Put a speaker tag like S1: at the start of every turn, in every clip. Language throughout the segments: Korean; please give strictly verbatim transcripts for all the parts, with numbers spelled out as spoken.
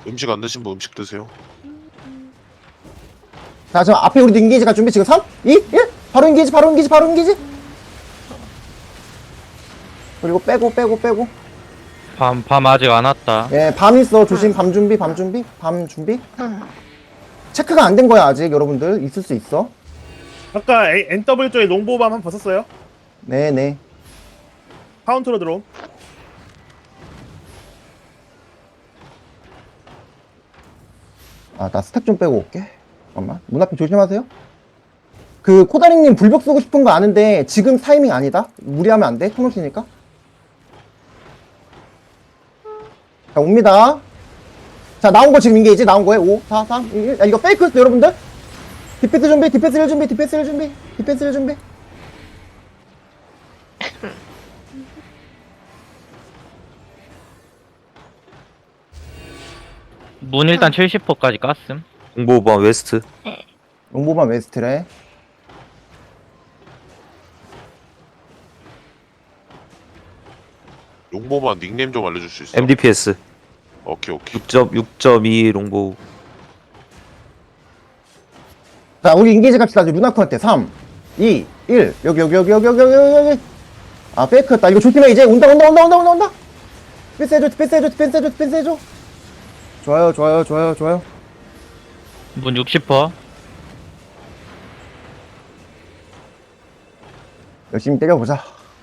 S1: 음식 안 드신 분 음식 드세요.
S2: 자, 지금 앞에 우리도 인게이지 갈 준비. 지금 삼, 이, 일. 바로 인게이지, 바로 인게이지, 바로 인게이지. 그리고 빼고, 빼고, 빼고.
S3: 밤, 밤 아직 안 왔다.
S2: 예, 밤 있어. 조심. 밤 준비, 밤 준비, 밤 준비. 체크가 안 된 거야, 아직. 여러분들. 있을 수 있어.
S4: 아까 A- 엔더블유 쪽에 롱보밤 한 번 벗었어요.
S2: 네네.
S4: 카운터로 들어옴.
S2: 아, 나 스택 좀 빼고 올게. 잠깐만. 문 앞에 조심하세요. 그, 코다리님 불벽 쓰고 싶은 거 아는데, 지금 타이밍 아니다? 무리하면 안 돼. 통로시니까. 자, 옵니다. 자, 나온 거 지금 인게이지? 나온 거에 오, 사, 삼, 이, 일. 야, 이거 페이크였어, 여러분들? 디펜스 준비, 디펜스 일 준비, 디펜스 일 준비, 디펜스 일 준비.
S3: 문 일단 칠십 퍼까지 깠음.
S5: 공보반 웨스트.
S2: 롱보반 웨스트래.
S1: 용보만 닉네임 좀 알려줄 수 있어?
S5: 엠디피에스
S1: 오케이 오케이.
S5: 육 점 이 롱보.
S2: 자, 우리 인게이지 갑시다. 루나콘한테 삼, 이, 일. 여기, 여기, 여기, 여기, 여기, 여기, 여기. 아, 페이크였다. 이거 조심해, 이제. 온다, 온다, 온다, 온다, 온다, 온다. 디펜스 해줘, 디펜스 해줘, 디펜스 해줘, 디펜스 해줘. 좋아요, 좋아요, 좋아요, 좋아요.
S3: 문 육십 퍼.
S2: 열심히 때려보자.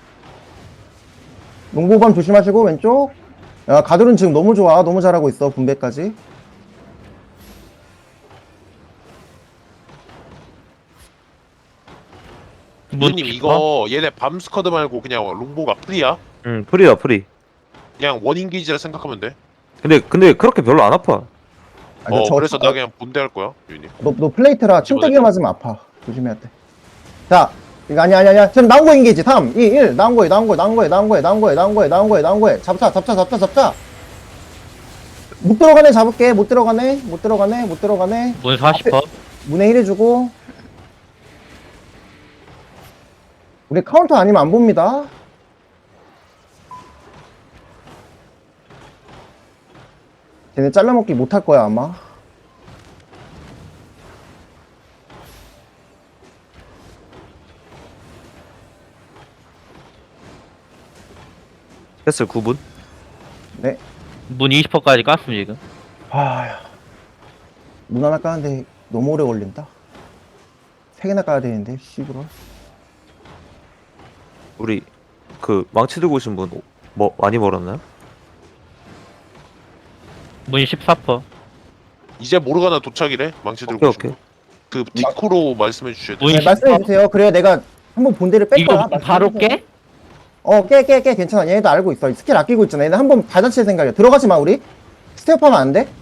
S2: 농보밤 조심하시고, 왼쪽. 야, 가돌은 지금 너무 좋아. 너무 잘하고 있어, 분배까지.
S3: 문
S1: 님
S3: 육십 퍼.
S1: 이거 얘네 밤 스쿼드 말고 그냥 롱보가 프리야?
S5: 응, 프리야 프리.
S1: 그냥 원인기지라 생각하면 돼.
S5: 근데 근데 그렇게 별로 안 아파.
S2: 아, 이거
S1: 어
S2: 저-
S1: 그래서 나 그냥 본대할 거야 유님.
S2: 너, 너 플레이트라 침대기
S1: 집어넣자.
S2: 맞으면 아파. 조심해야 돼. 자, 이거 아니야, 아니야, 아니야. 지금 나온 거 인게이지. 삼, 이, 일. 나온 거에, 나온 거에, 나온 거에, 나온 거에, 나온 거에, 나온 거에, 나온 거에, 나온 거에. 잡자, 잡자, 잡자, 잡자. 못 들어가네, 잡을게. 못 들어가네, 못 들어가네, 못 들어가네.
S3: 문 사십 퍼.
S2: 문에 힐 해주고. 우리 카운터 아니면 안 봅니다. 쟤네 잘라먹기 못 할 거야, 아마.
S5: 패스 구 분.
S2: 네.
S3: 문 이십 퍼까지 깠음 지금.
S2: 아, 문 하나 까는데 너무 오래 걸린다. 세 개나 까야 되는데, 씨부러.
S5: 우리 그 망치 들고 오신 분 뭐 많이 벌었나요?
S3: 문 십사 퍼.
S1: 이제 모르가나 도착이래. 망치 들고
S5: 오케이
S1: 오신
S5: 오케이.
S1: 분. 그 디코로 말씀해 주셔야 돼.
S3: 문
S2: 네,
S3: 이십 퍼.
S2: 말씀해주세요. 그래야 내가 한번 본대를 뺄
S3: 이거
S2: 거야.
S3: 문 바로
S2: 말씀해주세요.
S3: 깨?
S2: 어, 깨, 깨, 깨. 괜찮아. 얘네도 알고 있어. 스킬 아끼고 있잖아. 얘네 한번 받아칠 생각이야. 들어가지 마, 우리. 스텝하면 안 돼.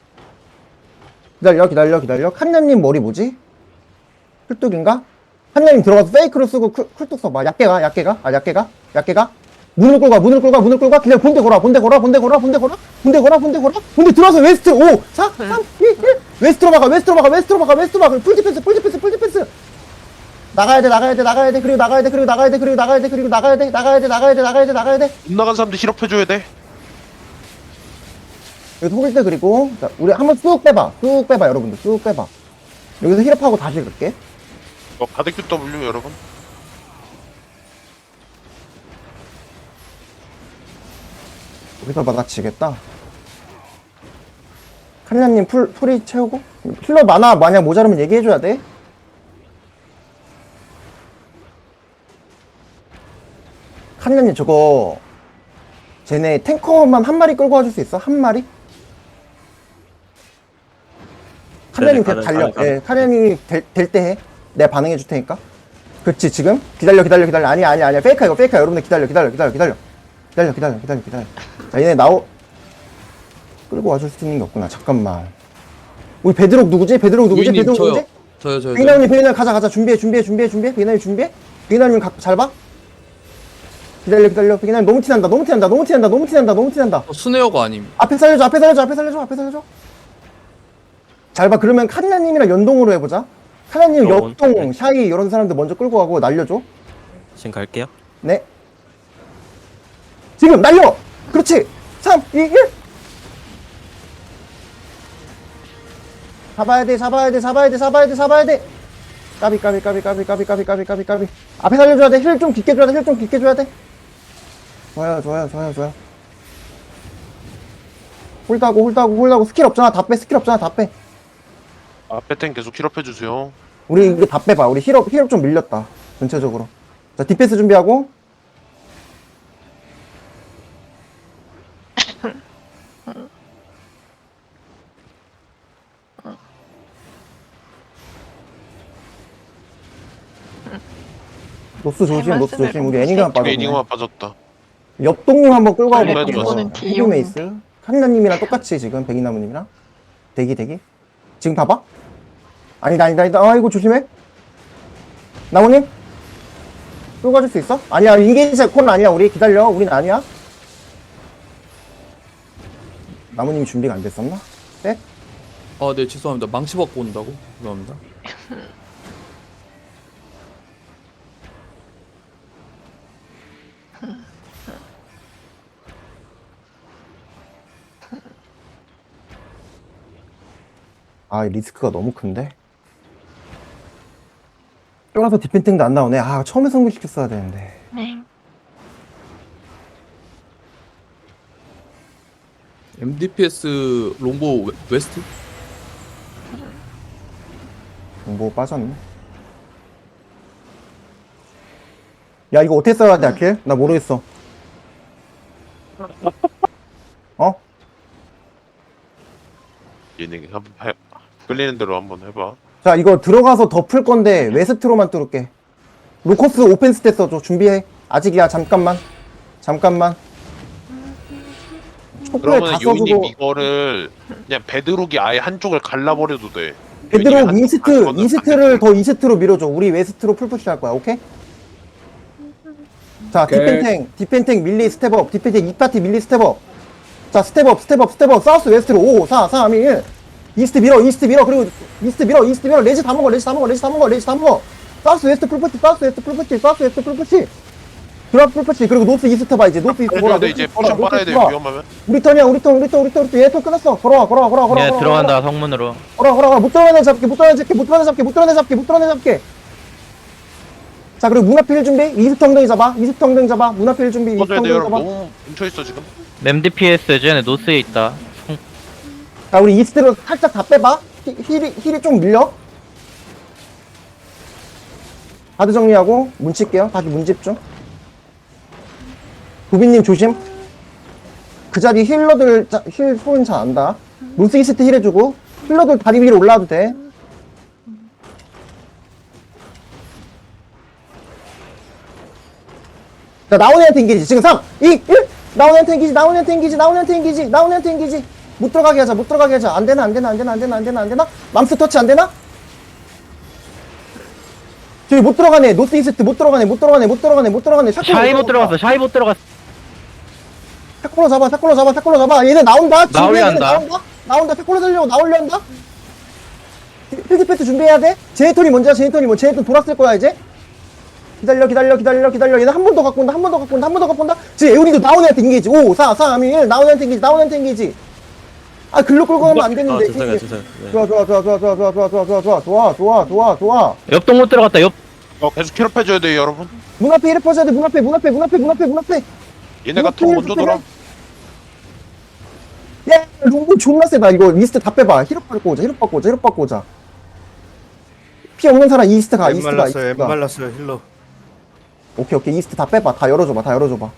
S2: 기다려, 기다려, 기다려. 칸냐님 머리 뭐지? 쿨뚝인가? 칸냐님 들어가서 페이크로 쓰고 쿨, 쿨뚝 써봐. 얕게 가, 얕게 가. 아, 얕게 가. 얕게 가. 문을 끌고 가, 문을 끌고 가, 문을 끌고 가. 기다려, 본대 걸어, 본대 걸어, 본대 걸어, 본대 걸어. 본대 걸어, 본대 걸어. 본대 들어와서 웨스트. 오, 사, 삼, 이, 일. 웨스트로 막아, 웨스트로 막아, 웨스트로 막아, 웨스트로 막아. 풀 디펜스, 풀 디펜스, 풀 디펜스. 나가야 돼, 나가야 돼, 나가야 돼, 그리고 나가야 돼, 그리고 나가야 돼, 그리고 나가야 돼, 그리고 나가야 돼, 나가야 돼, 나가야 돼, 나가야 돼, 나가야 돼.
S1: 못 나간 사람들 힐업해 줘야 돼.
S2: 여기서 호길 때 그리고 자, 우리 한번 쑥 빼봐, 쑥 빼봐, 여러분들 쑥 빼봐. 여기서 힐업하고 다시 갈게.
S1: 어, 바데큐 W 여러분.
S2: 여기서 받아치겠다. 칸냐님 풀 풀이 채우고 힐러 많아 만약 모자르면 얘기해줘야 돼. 칸냐님 저거 쟤네 탱커만 한 마리 끌고 와줄 수 있어? 한 마리? 칸냐님
S5: 가능,
S2: 달려.
S5: 가능,
S2: 예, 칸냐님이 될 때 해. 내가 반응해 줄 테니까. 그렇지 지금 기다려 기다려 기다려 아니야 아니야 아니야 페이크야 이거 페이크야 여러분들 기다려 기다려 기다려 기다려 기다려 기다려 기다려 기다려. 자 얘네 나오 끌고 와줄 수 있는 게 없구나. 잠깐만. 우리 베드록 누구지? 베드록 누구지?
S6: 유인님,
S2: 베드록
S6: 저요.
S2: 누구지?
S6: 저요 저요.
S2: 베이나님 베이나 가자 가자 준비해 준비해 준비해 준비해 베이나님 준비해. 베이나님 잘 봐. 기다려 기다려 베이나님 너무 티난다 너무 티난다 너무 티난다 너무 티난다 너무 티난다.
S6: 어, 스네어가 아님.
S2: 앞에 살려줘 앞에 살려줘 앞에 살려줘 앞에 살려줘. 잘 봐. 그러면 카리나님이랑 연동으로 해보자. 카리나님
S7: 어,
S2: 역동 샤이 이런 사람들 먼저 끌고 가고 날려줘.
S7: 지금 갈게요.
S2: 네. 지금 날려. 그렇지. 삼, 이, 일. 잡아야 돼, 잡아야 돼, 잡아야 돼, 잡아야 돼, 잡아야 돼. 까비, 까비, 까비, 까비, 까비, 까비, 까비, 까비, 까비. 앞에 살려줘야 돼. 힐 좀 깊게 줘야 돼. 힐 좀 깊게 줘야 돼. 좋아요, 좋아요, 좋아요, 좋아요. 홀다고, 홀다고, 홀다고. 스킬 없잖아. 다 빼, 스킬 없잖아. 다 빼.
S1: 앞에 탱 계속 힐업해주세요.
S2: 우리 이거 다 빼봐. 우리 힐업, 힐업 좀 밀렸다. 전체적으로. 자, 디펜스 준비하고. 노스 조심, 노스 조심. 우리 애니가 빠졌네.
S1: 애니가 빠졌다.
S2: 옆 동료 한번 끌고
S1: 빨리
S2: 가볼게요.
S1: 들어왔어.
S2: 헤비메이스. 카리나님이랑 똑같이 지금 백이나무님이랑 대기 대기. 지금 봐봐. 아니다 아니다 아니다. 아이고 조심해. 나무님 끌고 가줄 수 있어? 아니야 인게이지 콘 아니야. 우리 기다려. 우린 아니야. 나무님이 준비가 안 됐었나? 네?
S6: 아, 네, 죄송합니다. 망치 받고 온다고? 죄송합니다.
S2: 아 리스크가 너무 큰데. 쫄아서 디펜팅도 안 나오네. 아 처음에 성공시켰어야 되는데.
S7: 네.
S6: 엠디피에스 롱보 웨- 웨스트?
S2: 뭐 빠졌네. 야 이거 어떻게 써야 돼 아킬? 나 모르겠어. 어?
S1: 얘네 한번 해. 끌리는 대로 한번 해봐.
S2: 자 이거 들어가서 더 풀 건데 웨스트로만 뚫을게. 로커스 오펜스 때 써줘. 준비해. 아직이야. 잠깐만. 잠깐만. 촉구에
S1: 그러면
S2: 다
S1: 요인님
S2: 써주고.
S1: 이거를 그냥 베드록이 아예 한쪽을 갈라버려도 돼.
S2: 베드록
S1: 요인님이 한쪽
S2: 이스트
S1: 가는 거는
S2: 이스트를
S1: 안
S2: 더 이스트로 밀어줘. 우리 웨스트로 풀푸시 할 거야. 오케이? 자
S6: 오케이.
S2: 디펜탱 디펜탱 밀리 스텝업. 디펜탱 이 파티 밀리 스텝업. 자 스텝업 스텝업 스텝업. 사우스 웨스트로 오 사 삼 이 일. 이스트 밀어 이스트 밀어. 그리고 이스트 밀어 이스트 밀어. 레지 다 먹어 레지 다 먹어 레지 다 먹어 레지 다 먹어. 사우스 웨스트 풀푸시 사우스 웨스트 풀푸시 사우스 웨스트 풀푸시. 드랍 풀푸시. 그리고 노스 이스트 봐 이제. 노스 이스트
S1: 해줘야
S2: 보라.
S1: 돼.
S2: 노스
S1: 이제
S2: 이스트 보라.
S1: 포션
S2: 노스
S1: 빨아야
S2: 이스트
S1: 돼.
S2: 보라.
S1: 위험하면.
S2: 우리 턴이야 우리 턴 우리 턴 우리 턴 우리 턴 얘턴 끝났어. 걸어와 걸어와 걸어와 걸어와
S3: 얘
S2: 걸어와,
S3: 들어간다 성문으로.
S2: 걸어와 걸어와. 못 들어내 잡게 못 들어내 잡게 못 들어내 잡게 못 들어내 잡게 못 들어내 잡게. 자 그리고 문 앞에 힐 준비. 이스트 엉덩이 잡아. 이스트 엉덩이 잡아. 문 앞에 힐 준비. 이스트
S1: 꺼져야 돼
S2: 엉덩이
S1: 여러분.
S2: 잡아.
S1: 너무 뭉쳐있어 지금.
S3: 엠디피에스 쟤네 노스에 있다.
S2: 자 우리 이스트로 살짝 다 빼봐. 히, 힐이 힐이 좀 밀려. 바드 정리하고 문 칠게요. 다시 문 집중. 도비님 조심. 그 자리 힐러들 자, 힐 소리 잘 안다. 노스 이스트 힐 해주고 힐러들 다리 위로 올라와도 돼. 자 나오네한테 인기지. 지금 삼, 이, 일. 나오네한테 인기지. 나오네한테 인기지. 나오네한테 인기지. 나오네한테 인기지. 못 들어가게 하자. 못 들어가게 하자. 안 되나 안 되나 안 되나 안 되나 안 되나 안 되나. 맘스 터치 안 되나? 저기 못 들어가네. 노스 이스트 못 들어가네. 못 들어가네. 못 들어가네. 못 들어가네. 샷건
S3: 샤이 못 들어갔어. 샤이 못 들어갔어.
S2: 샷콜로 잡아. 샷콜로 잡아. 샷콜로 잡아. 얘네 나온다. 지금
S3: 나오려
S2: 얘네
S3: 한다.
S2: 나온다. 나온다. 샷콜로 살려고 나오려 한다. 필드 패스 준비해야 돼. 제이톤이 먼저야. 제이톤이 뭐 제이톤 돌았을 거야 이제. 기다려 기다려 기다려 기다려. 얘네 한 번 더 갖고 온다. 한 번 더 갖고 온다. 한 번 더 갖고 온다. 지금 에우리도 나오네한테 인기지. 오 사 삼 이 일. 나오네한테 인기지. 나오네한테 인기지. 아 글로 끌고 가면 안
S5: 아
S2: 되는데.
S5: 죄송해요 죄송해요. 네.
S2: 좋아 좋아 좋아 좋아 좋아 좋아 좋아 좋아 좋아 좋아 좋아 좋아 좋아 좋아.
S3: 옆동 못 들어갔다. 옆.
S1: 어 계속 힐업해줘야 돼 여러분.
S2: 문 앞에 이래 퍼져야 돼. 문 앞에 문 앞에 문 앞에 문 앞에 문 앞에.
S1: 얘네가 더 먼저 돌아.
S2: 야, 롱볼 존나 세다. 이거 리스트 다 빼봐. 히럽 바꿔 오자. 히럽 바꿔 오자. 히럽 바꿔 오자. 피 없는 사람 이스트 가.
S8: 엠
S2: 이스트 가.
S8: 말랐어요.
S2: 이스트
S8: 엠
S2: 가.
S8: 말랐어요. 힐러.
S2: 오케이 오케이. 이스트 다 빼봐. 다 열어줘봐. 다 열어줘봐.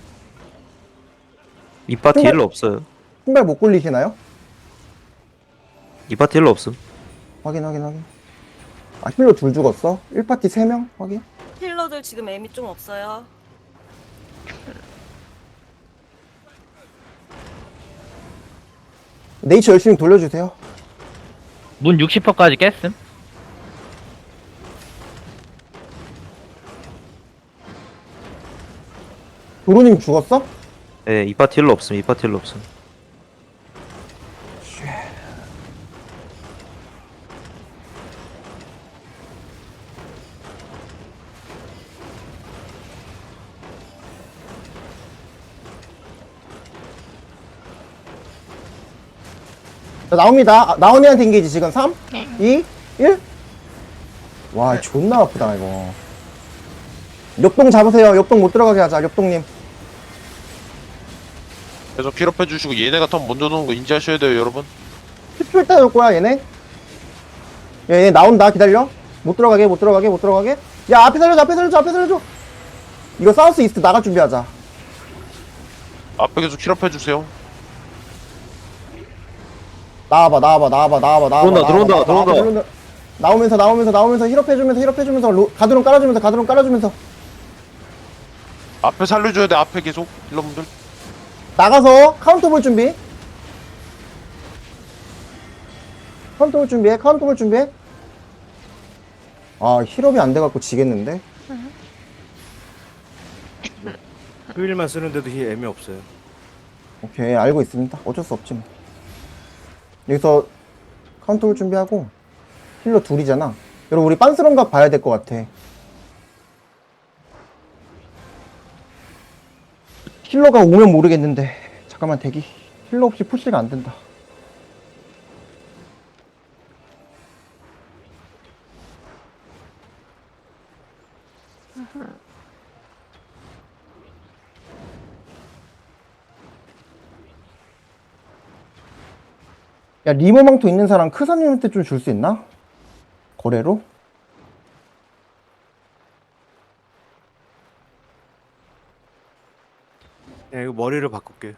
S5: 이 파티 힐러 없어요.
S2: 신발 못 굴리시나요?
S5: 이 파티 힐러 없음.
S2: 확인 확인 확인. 아 힐러 둘 죽었어? 일 파티 세 명? 확인.
S7: 힐러들 지금 애미 좀 없어요.
S2: 네이처 열심히 돌려주세요.
S3: 문 육십 퍼까지 깼음.
S2: 도로님 죽었어?
S5: 예, 이 파티 힐러 없음. 이 파티 힐러 없음.
S2: 자, 나옵니다. 아, 나온 애한테 인게이지 지금 삼, 이, 일. 와, 존나 아프다, 이거. 역동 잡으세요. 역동 못 들어가게 하자, 역동님.
S1: 계속 킬업해 주시고 얘네가 턴 먼저 도는 거 인지하셔야 돼요 여러분.
S2: 십 초 있다 올 거야, 얘네. 얘네 나온다, 기다려. 못 들어가게, 못 들어가게, 못 들어가게. 야, 앞에 살려줘, 앞에 살려줘, 앞에 살려줘. 이거 사우스 이스트 나갈 준비하자.
S1: 앞에 계속 킬업해 주세요.
S2: 나와봐, 나와봐, 나와봐, 나와봐, 나와봐.
S5: 들어온다,
S2: 나와봐,
S5: 들어온다,
S2: 나와봐,
S5: 들어온다.
S2: 나와봐. 나오면서, 나오면서, 나오면서, 힐업해주면서, 힐업해주면서, 로, 가드론 깔아주면서, 가드론 깔아주면서.
S1: 앞에 살려줘야 돼 앞에 계속 힐러분들.
S2: 나가서 카운터 볼 준비. 카운터 볼 준비해, 카운터 볼 준비해. 아, 힐업이 안 돼갖고 지겠는데?
S8: 휴일만 쓰는데도 힐 애미 없어요.
S2: 오케이, 알고 있습니다. 어쩔 수 없지 뭐. 여기서 카운터 볼 준비하고, 힐러 둘이잖아. 여러분, 우리 빤스런각 봐야 될 것 같아. 힐러가 오면 모르겠는데. 잠깐만, 대기. 힐러 없이 푸시가 안 된다. 야, 리모망토 있는 사람 크사님한테 좀 줄 수 있나? 거래로?
S8: 야, 이거 머리를 바꿀게.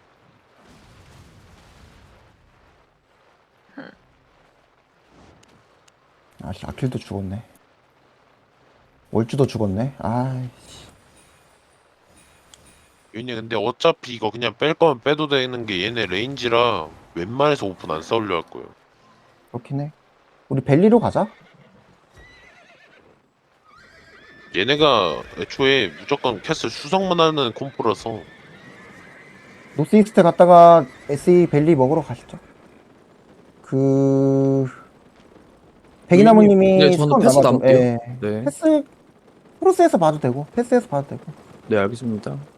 S2: 아, 씨, 아킬도 죽었네. 월주도 죽었네. 아이씨.
S1: 얘네 근데 어차피 이거 그냥 뺄 거면 빼도 되는 게 얘네 레인지라 웬만해서 오픈 안 싸우려 할 거예요.
S2: 그렇긴 해. 우리 벨리로 가자.
S1: 얘네가 애초에 무조건 캐슬 수성만 하는 콤포라서
S2: 노스 이스트 갔다가 에스이 벨리 먹으러 가시죠. 그 백이나무님이
S6: 네, 저는
S2: 스톤
S6: 패스
S2: 남아줘.
S6: 남을게요.
S2: 예.
S6: 네.
S2: 패스 크로스에서 봐도 되고 패스에서 봐도 되고.
S6: 네, 알겠습니다.